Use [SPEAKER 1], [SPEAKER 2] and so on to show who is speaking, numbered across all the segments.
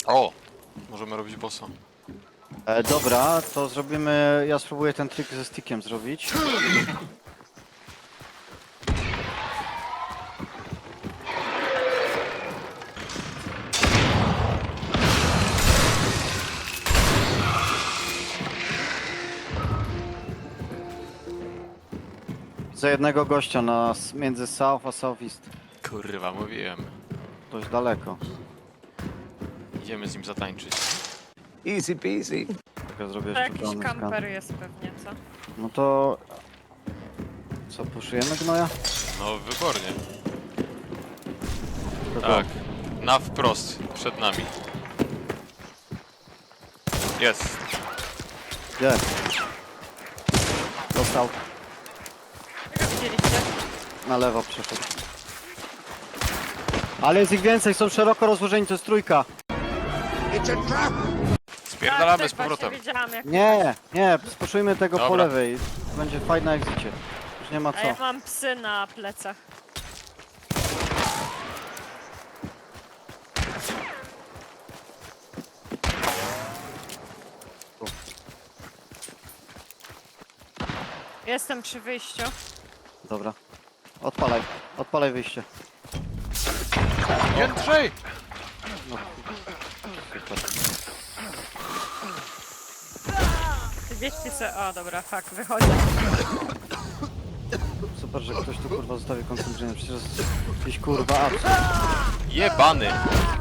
[SPEAKER 1] O! Możemy robić bossa.
[SPEAKER 2] Dobra, to zrobimy... Ja spróbuję ten trik ze stickiem zrobić. Za jednego gościa między South a Southeast.
[SPEAKER 1] Kurwa, mówiłem.
[SPEAKER 2] Dość daleko.
[SPEAKER 1] Idziemy z nim zatańczyć.
[SPEAKER 3] Easy peasy.
[SPEAKER 2] Tak, ja zrobię
[SPEAKER 4] To
[SPEAKER 2] jeszcze
[SPEAKER 4] jakiś
[SPEAKER 2] pełny skan.
[SPEAKER 4] kamper jest pewnie, co?
[SPEAKER 2] No to... Co, puszujemy gnoja?
[SPEAKER 1] No, wybornie.
[SPEAKER 2] To
[SPEAKER 1] Tak. Na wprost, przed nami. Jest.
[SPEAKER 2] Gdzie? Dostał.
[SPEAKER 4] Jak widzieliście?
[SPEAKER 2] Na lewo przeszedł. Ale jest ich więcej, są szeroko rozłożeni, to jest trójka.
[SPEAKER 1] Spierdalamy
[SPEAKER 4] Tak,
[SPEAKER 1] z powrotem.
[SPEAKER 4] właśnie wiedziałam, jak...
[SPEAKER 2] Nie, spuszujmy tego po
[SPEAKER 1] Dobra.
[SPEAKER 2] lewej. Będzie fajna egzicie. Już nie ma
[SPEAKER 4] A ja
[SPEAKER 2] co.
[SPEAKER 4] mam psy na plecach. Jestem przy wyjściu.
[SPEAKER 2] Dobra. Odpalaj wyjście.
[SPEAKER 1] Jędrzej!
[SPEAKER 2] Super.
[SPEAKER 4] Wieści se... O, dobra, fuck, wychodzę.
[SPEAKER 2] Super, że ktoś tu kurwa zostawi koncentrację. Przecież jest jakiś kurwa absurd.
[SPEAKER 1] Jebany!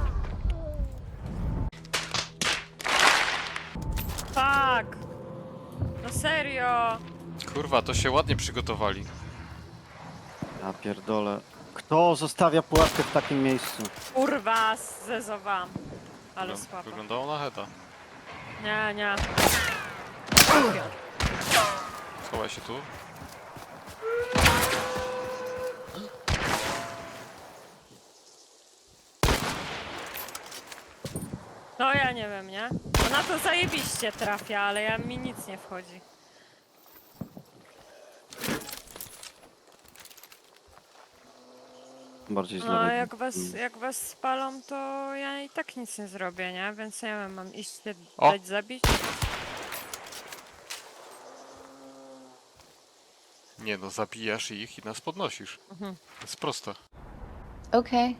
[SPEAKER 4] Fuck! No serio!
[SPEAKER 1] Kurwa, to się ładnie przygotowali.
[SPEAKER 2] Ja pierdolę. Kto zostawia pułapkę w takim miejscu?
[SPEAKER 4] Kurwa, zezowałam. Ale
[SPEAKER 1] No,
[SPEAKER 4] słabo.
[SPEAKER 1] wyglądało na heta.
[SPEAKER 4] Nie.
[SPEAKER 1] Schowaj się tu.
[SPEAKER 4] No ja nie wiem, nie? Ona to zajebiście trafia, ale mi nic nie wchodzi.
[SPEAKER 2] Bardziej z
[SPEAKER 4] No
[SPEAKER 2] lewej.
[SPEAKER 4] jak was spalą, to ja i tak nic nie zrobię, nie? Więc nie wiem, mam iść się
[SPEAKER 1] O!
[SPEAKER 4] dać zabić?
[SPEAKER 1] Nie no, zabijasz ich i nas podnosisz.
[SPEAKER 4] Mhm.
[SPEAKER 1] To jest proste.
[SPEAKER 5] Okay.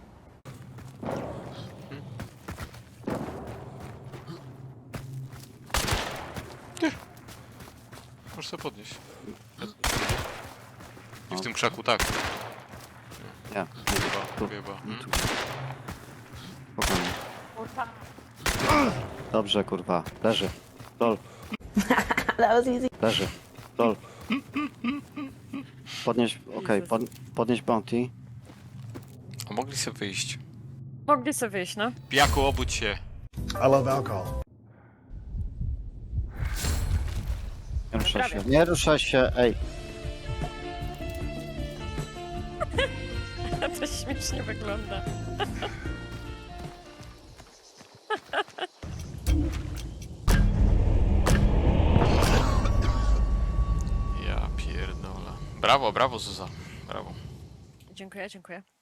[SPEAKER 1] Możesz sobie podnieść. I w tym krzaku, tak.
[SPEAKER 2] Nie,
[SPEAKER 1] Chyba, chyba.
[SPEAKER 2] spokojnie.
[SPEAKER 4] Kurwa.
[SPEAKER 2] Dobrze, kurwa. Leży. Dol.
[SPEAKER 5] That was easy.
[SPEAKER 2] Leży. Dol. Podnieś, okej,
[SPEAKER 4] Jezus.
[SPEAKER 2] podnieś bounty.
[SPEAKER 1] A mogli sobie wyjść.
[SPEAKER 4] Mogli sobie wyjść, no.
[SPEAKER 1] Pijaku, obudź się.
[SPEAKER 6] I love alcohol.
[SPEAKER 2] Nie ruszaj się.
[SPEAKER 4] Prawie.
[SPEAKER 2] Nie ruszaj się, ej.
[SPEAKER 4] To śmiesznie wygląda.
[SPEAKER 1] Ja pierdolę. Brawo, brawo Zuza. Brawo.
[SPEAKER 4] Dziękuję.